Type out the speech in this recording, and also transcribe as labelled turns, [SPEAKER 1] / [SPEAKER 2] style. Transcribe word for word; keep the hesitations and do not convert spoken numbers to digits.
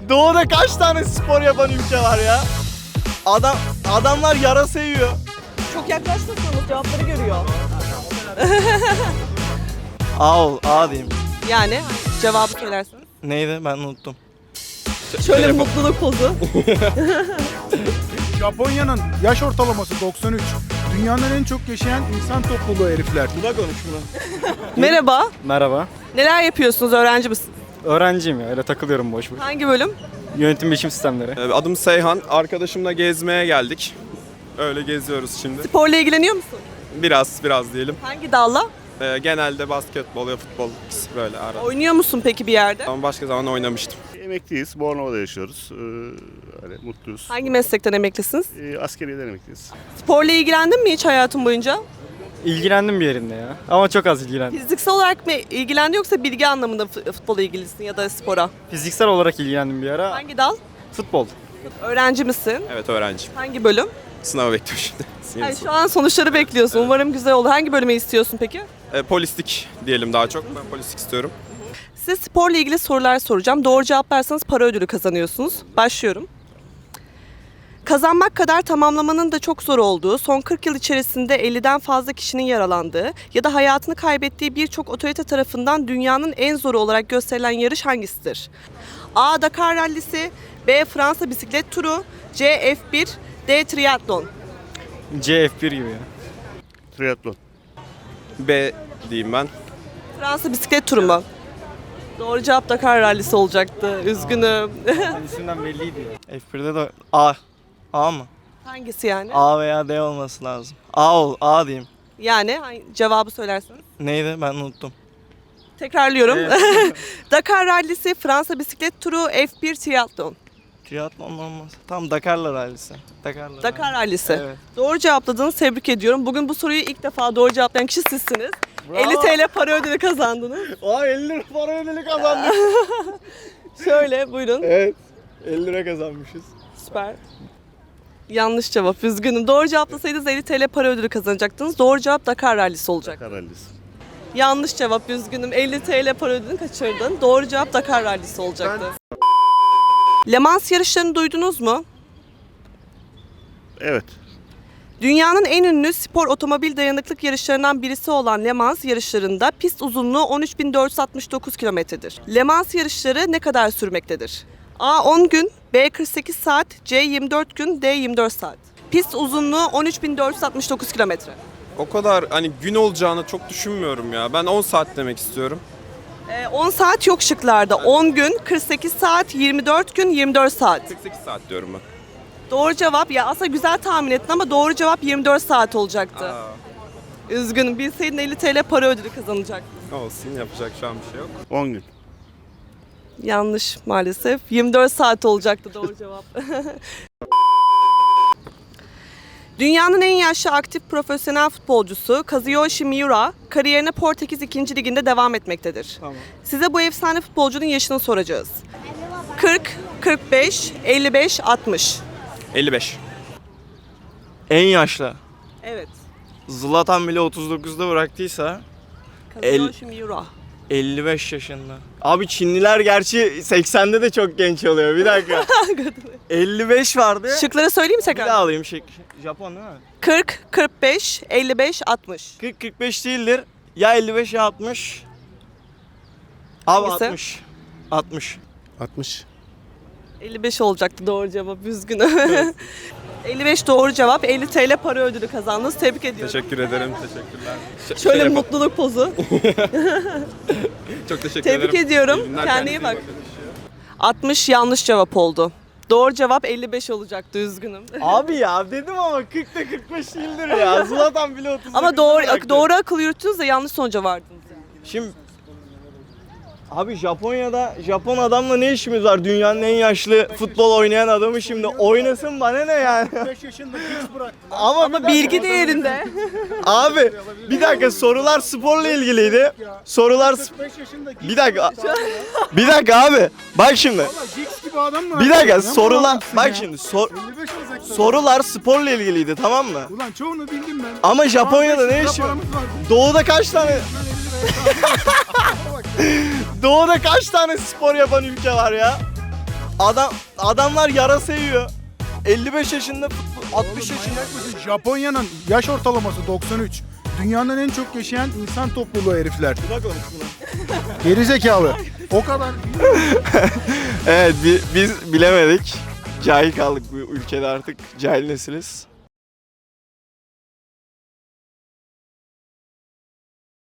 [SPEAKER 1] Doğuda kaç tane spor yapan ülke var ya? Adam adamlar yarasa yiyor.
[SPEAKER 2] Çok yaklaşmasanız cevapları görüyor.
[SPEAKER 1] A ol, A diyeyim.
[SPEAKER 2] Yani cevabı söylersiniz.
[SPEAKER 1] Neydi? Ben unuttum.
[SPEAKER 2] Şöyle mutluluk pozu.
[SPEAKER 3] Japonya'nın yaş ortalaması doksan üç. Dünyanın en çok yaşayan insan topluluğu herifler.
[SPEAKER 1] Bu da konuş bunu.
[SPEAKER 2] Merhaba.
[SPEAKER 4] Merhaba.
[SPEAKER 2] Neler yapıyorsunuz? Öğrenci misiniz?
[SPEAKER 4] Öğrenciyim ya, öyle takılıyorum boş boş.
[SPEAKER 2] Hangi bölüm?
[SPEAKER 4] Yönetim bilişim sistemleri.
[SPEAKER 5] Ee, Adım Seyhan. Arkadaşımla gezmeye geldik. Öyle geziyoruz şimdi.
[SPEAKER 2] Sporla ilgileniyor musun?
[SPEAKER 5] Biraz biraz diyelim.
[SPEAKER 2] Hangi dalla?
[SPEAKER 5] Ee, genelde basketbol ya futbol ikisi böyle ara.
[SPEAKER 2] Oynuyor musun peki bir yerde?
[SPEAKER 5] Ama başka zaman oynamıştım.
[SPEAKER 6] Emekliyiz. Bornova'da yaşıyoruz. Ee, öyle mutluyuz.
[SPEAKER 2] Hangi meslekten emeklisiniz?
[SPEAKER 6] Ee, askeriyeden emekliyiz.
[SPEAKER 2] Sporla ilgilendin mi hiç hayatın boyunca?
[SPEAKER 4] İlgilendim bir yerinde ya. Ama çok az ilgilendim.
[SPEAKER 2] Fiziksel olarak mı ilgilendin yoksa bilgi anlamında fut- futbola ilgilisin ya da spora?
[SPEAKER 4] Fiziksel olarak ilgilendim bir ara.
[SPEAKER 2] Hangi dal?
[SPEAKER 4] Futbol.
[SPEAKER 2] Öğrenci misin?
[SPEAKER 5] Evet, öğrenciyim.
[SPEAKER 2] Hangi bölüm?
[SPEAKER 5] Sınavı bekliyorum şimdi. Yeni
[SPEAKER 2] Yani
[SPEAKER 5] sınav.
[SPEAKER 2] şu an sonuçları bekliyorsun. Umarım güzel olur. Hangi bölümü istiyorsun peki?
[SPEAKER 5] Ee, polislik diyelim daha çok. Ben polislik istiyorum.
[SPEAKER 2] Size sporla ilgili sorular soracağım. Doğru cevaplarsanız para ödülü kazanıyorsunuz. Başlıyorum. Kazanmak kadar tamamlamanın da çok zor olduğu, son kırk yıl içerisinde elliden fazla kişinin yaralandığı ya da hayatını kaybettiği birçok otorite tarafından dünyanın en zoru olarak gösterilen yarış hangisidir? A. Dakar Rallisi, B. Fransa bisiklet turu, C. F bir, D. Triatlon.
[SPEAKER 4] C F bir gibi ya.
[SPEAKER 6] Triatlon.
[SPEAKER 5] B diyeyim ben.
[SPEAKER 2] Fransa bisiklet turu mu? Doğru cevap Dakar Rallisi olacaktı. Üzgünüm.
[SPEAKER 4] İsimden belliydi ya.
[SPEAKER 1] F birde de A. A mı?
[SPEAKER 2] Hangisi yani?
[SPEAKER 1] A veya D olması lazım. A ol, A diyeyim.
[SPEAKER 2] Yani hangi- cevabı söylersiniz.
[SPEAKER 1] Neydi? Ben unuttum.
[SPEAKER 2] Tekrarlıyorum. Dakar Rallisi, Fransa bisiklet turu, F bir triatlon.
[SPEAKER 1] Triatlon olmaz. Tam Dakar'la rallisi. Dakar'la
[SPEAKER 2] Dakar
[SPEAKER 1] rallisi.
[SPEAKER 2] Rallisi.
[SPEAKER 1] Evet.
[SPEAKER 2] Doğru cevapladınız. Tebrik ediyorum. Bugün bu soruyu ilk defa doğru cevaplayan kişi sizsiniz. elli TL para ödülü kazandınız.
[SPEAKER 1] Aa elli lira para ödülü kazandık.
[SPEAKER 2] Şöyle buyurun.
[SPEAKER 1] Evet. elli lira kazanmışız.
[SPEAKER 2] Süper. Yanlış cevap. Üzgünüm. Doğru cevaplasaydınız elli TL para ödülü kazanacaktınız. Doğru cevap Dakar Rallisi olacak.
[SPEAKER 6] Dakar Rallisi.
[SPEAKER 2] Yanlış cevap. Üzgünüm. elli TL para ödülünü kaçırdın. Doğru cevap Dakar Rallisi olacaktı. Le Mans yarışlarını duydunuz mu?
[SPEAKER 6] Evet.
[SPEAKER 2] Dünyanın en ünlü spor otomobil dayanıklık yarışlarından birisi olan Le Mans yarışlarında pist uzunluğu on üç bin dört yüz altmış dokuz kilometredir. Le Mans yarışları ne kadar sürmektedir? A on gün, B kırk sekiz saat, C yirmi dört gün, D yirmi dört saat. Pist uzunluğu on üç bin dört yüz altmış dokuz kilometre.
[SPEAKER 5] O kadar hani gün olacağını çok düşünmüyorum ya. Ben on saat demek istiyorum.
[SPEAKER 2] Ee, on saat yok şıklarda. on gün, kırk sekiz saat, yirmi dört gün, yirmi dört saat.
[SPEAKER 5] kırk sekiz saat diyorum ben.
[SPEAKER 2] Doğru cevap, ya aslında güzel tahmin ettin ama doğru cevap yirmi dört saat olacaktı.
[SPEAKER 5] Aa,
[SPEAKER 2] Üzgünüm, bilseydin elli TL para ödülü kazanacaktın.
[SPEAKER 5] olsun, yapacak şu an bir şey yok.
[SPEAKER 6] on gün.
[SPEAKER 2] Yanlış maalesef. yirmi dört saat olacaktı doğru cevap. Dünyanın en yaşlı aktif profesyonel futbolcusu Kazuyoshi Miura kariyerine Portekiz ikinci liginde devam etmektedir.
[SPEAKER 4] Tamam.
[SPEAKER 2] Size bu efsane futbolcunun yaşını soracağız. kırk, kırk beş, elli beş, altmış.
[SPEAKER 5] elli beş.
[SPEAKER 1] En yaşlı.
[SPEAKER 2] Evet.
[SPEAKER 1] Zlatan bile otuz dokuzda bıraktıysa
[SPEAKER 2] Kazuyoshi Miura.
[SPEAKER 1] elli beş yaşında. Abi Çinliler gerçi seksende de çok genç oluyor. Bir dakika. elli beş vardı.
[SPEAKER 2] Şıkları söyleyeyim mi
[SPEAKER 1] Bir
[SPEAKER 2] tekrar?
[SPEAKER 1] daha alayım şey. Japon değil mi?
[SPEAKER 2] kırk, kırk beş, elli beş, altmış.
[SPEAKER 1] kırk kırk beş değildir. Ya elli beş ya altmış. Abi
[SPEAKER 2] Hangisi?
[SPEAKER 1] altmış. altmış.
[SPEAKER 6] altmış.
[SPEAKER 2] elli beş olacaktı doğru cevap. Üzgünüm. elli beş doğru cevap. elli TL para ödülü kazandınız. Tebrik ediyorum.
[SPEAKER 5] Teşekkür ederim. Teşekkürler. Ş-
[SPEAKER 2] Şöyle
[SPEAKER 5] şey
[SPEAKER 2] mutluluk pozu.
[SPEAKER 5] yapalım. Çok teşekkür
[SPEAKER 2] Tebrik
[SPEAKER 5] ederim.
[SPEAKER 2] ediyorum.
[SPEAKER 5] İyi günler,
[SPEAKER 2] Kendine iyi
[SPEAKER 5] kendinize
[SPEAKER 2] bak.
[SPEAKER 5] bakın.
[SPEAKER 2] altmış yanlış cevap oldu. Doğru cevap elli beş olacaktı. Üzgünüm.
[SPEAKER 1] Abi ya dedim ama kırkta kırk beş değildir ya. Zlatan bile otuz dokuzda
[SPEAKER 2] Ama doğru
[SPEAKER 1] bıraktı.
[SPEAKER 2] doğru akıl yürüttünüz de yanlış sonuca vardınız.
[SPEAKER 1] Şimdi abi Japonya'da Japon adamla ne işimiz var? Dünyanın en yaşlı futbol oynayan adamı şimdi oynasın bana ne yani?
[SPEAKER 3] beş yaşında hiç bıraktı.
[SPEAKER 1] Ama,
[SPEAKER 2] Ama bilgi değerinde.
[SPEAKER 1] abi bir dakika sorular sporla ilgiliydi. Sorular sp-
[SPEAKER 3] beş yaşında hiç
[SPEAKER 1] bir dakika. Bir dakika abi. Bak şimdi.
[SPEAKER 3] Valla Giggs gibi adam mı?
[SPEAKER 1] Bir dakika
[SPEAKER 3] Ne
[SPEAKER 1] sorular
[SPEAKER 3] bağlamışsın
[SPEAKER 1] bak
[SPEAKER 3] ya?
[SPEAKER 1] şimdi sor,
[SPEAKER 3] elli beş olacak tabii.
[SPEAKER 1] sorular sporla ilgiliydi tamam mı?
[SPEAKER 3] Ulan çoğunu bildim ben.
[SPEAKER 1] Ama Japonya'da
[SPEAKER 3] Ama beş
[SPEAKER 1] ne
[SPEAKER 3] lira
[SPEAKER 1] işi var?
[SPEAKER 3] paramız vardı.
[SPEAKER 1] Doğuda kaç tane
[SPEAKER 3] Ben elli liraya
[SPEAKER 1] Doğuda kaç tane spor yapan ülke var ya? Adam adamlar yarasa yiyor. elli beş yaşında, futbol, altmış yaşında.
[SPEAKER 3] Manyak mısın? Japonya'nın yaş ortalaması doksan üç. Dünyanın en çok yaşayan insan topluluğu herifler.
[SPEAKER 1] Buna konuş buna.
[SPEAKER 3] Gerizekalı. O kadar.
[SPEAKER 1] Evet bi- biz bilemedik. Cahil kaldık bu ülkede artık. Cahil nesiliz.